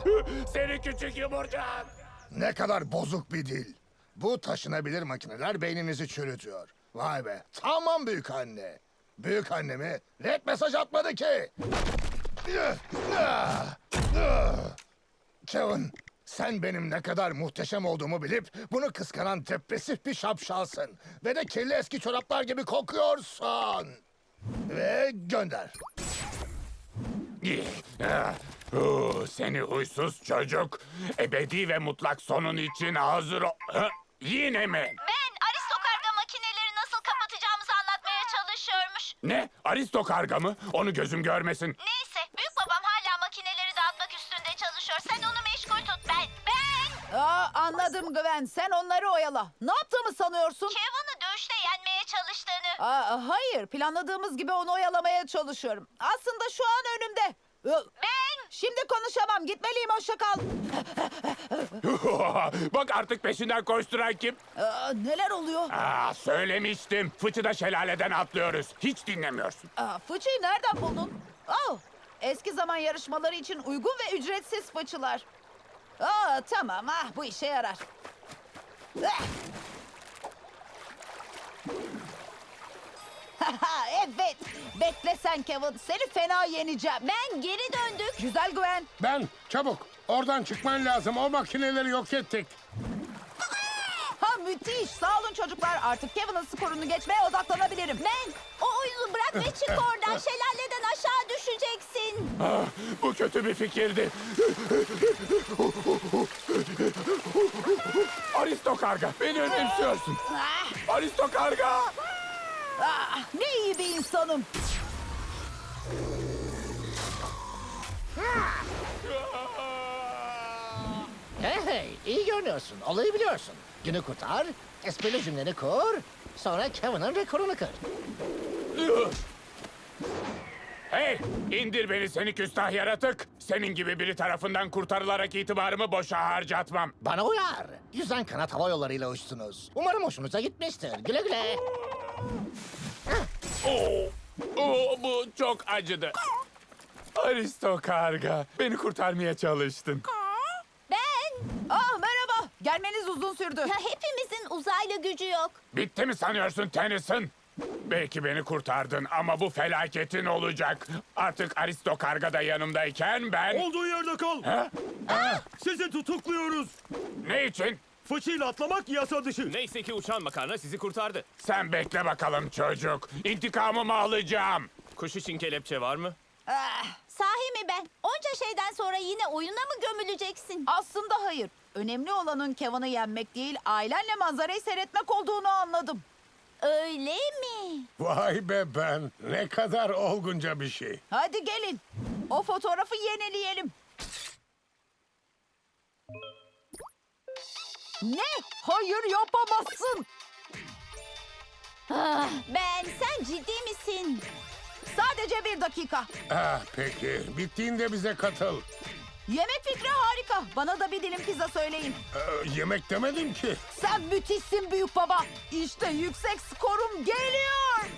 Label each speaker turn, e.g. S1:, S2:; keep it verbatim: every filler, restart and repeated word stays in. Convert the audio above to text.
S1: Seni küçük yumurcak.
S2: Ne kadar bozuk bir dil. Bu taşınabilir makineler beyninizi çürütüyor. Vay be. Tamam büyük anne. Büyük annemi red mesaj atmadı ki. Kevin, sen benim ne kadar muhteşem olduğumu bilip bunu kıskanan depresif bir şapşalsın. Ve de kirli eski çoraplar gibi kokuyorsun. Ve gönder.
S1: Huu, Seni huysuz çocuk. Ebedi ve mutlak sonun için hazır ol... Ha? Yine mi?
S3: Ben aristokarga makineleri nasıl kapatacağımızı anlatmaya çalışıyormuş.
S1: Ne? Aristo karga mı? Onu gözüm görmesin.
S3: Neyse, büyük babam hala makineleri dağıtmak üstünde çalışıyor. Sen onu meşgul tut. Ben, ben!
S4: Aa, anladım Gwen. Sen onları oyala. Ne yaptığımı sanıyorsun?
S3: Kevin'i dövüşte yenmeye çalıştığını.
S4: Aa, hayır. Planladığımız gibi onu oyalamaya çalışıyorum. Aslında şu an önümde. Ö,
S3: Ben!
S4: Şimdi konuşamam. Gitmeliyim. Hoşça kal.
S1: Bak artık peşinden koşturan kim?
S4: Aa, neler oluyor?
S1: Aa, söylemiştim. Fıçıda şelaleden atlıyoruz. Hiç dinlemiyorsun.
S4: Aa, fıçıyı nereden buldun? Oh, eski zaman yarışmaları için uygun ve ücretsiz fıçılar. Aa, tamam. Ah, bu işe yarar. Ah! Evet. Bekle sen Kevin. Seni fena yeneceğim.
S3: Ben geri döndük.
S4: Güzel Gwen.
S5: Ben çabuk. Oradan çıkman lazım. O makineleri yok ettik.
S4: Ha, müthiş. Sağ olun çocuklar. Artık Kevin'in skorunu geçmeye odaklanabilirim.
S3: Ben! O oyunu bırak ve çık oradan. Şelaleden aşağı düşeceksin.
S1: Ah, bu kötü bir fikirdi. Aristo karga, beni önemsiyorsun.
S4: Ah,
S1: Aristo karga.
S4: ah, ne iyi bir insanım.
S6: Hey hey, iyi görünüyorsun. Olayı biliyorsun. Günü kurtar, esprili cümleni kur, sonra Kevin'in rekorunu kır.
S1: Hey, indir beni seni küstah yaratık. Senin gibi biri tarafından kurtarılarak itibarımı boşa harcatmam.
S6: Bana uyar. Yüzden kanat hava yollarıyla uçtunuz. Umarım hoşunuza gitmiştir. Güle güle.
S1: Oo, oo, bu çok acıdı. Aristo karga, beni kurtarmaya çalıştın.
S3: Ben!
S4: Ah, merhaba. Gelmeniz uzun sürdü.
S3: Hepimizin uzaylı gücü yok.
S1: Bitti mi sanıyorsun Tennyson? Belki beni kurtardın ama bu felaketin olacak. Artık Aristo karga da yanımdayken ben...
S7: Olduğu yerde kal.
S1: Ha?
S7: Sizi tutukluyoruz.
S1: Ne için?
S7: Fıçıyla atlamak yasa dışı.
S8: Neyse ki uçan makarna sizi kurtardı.
S1: Sen bekle bakalım çocuk. İntikamımı alacağım.
S8: Kuş için kelepçe var mı?
S4: Ah,
S3: Sahi mi ben? Onca şeyden sonra yine oyuna mı gömüleceksin?
S4: aslında hayır. Önemli olanın Kevin'i yenmek değil, ailenle manzarayı seyretmek olduğunu anladım.
S3: Öyle mi?
S5: Vay be ben. Ne kadar olgunca bir şey.
S4: Hadi gelin. O fotoğrafı yenileyelim. Ne? Hayır, yapamazsın.
S3: Ah, ben, sen ciddi misin?
S4: Sadece bir dakika.
S5: Ah peki. Bittiğinde bize katıl.
S4: Yemek fikri harika. Bana da bir dilim pizza söyleyin.
S5: Ee, yemek demedim ki.
S4: Sen müthişsin büyük baba. İşte yüksek skorum geliyor.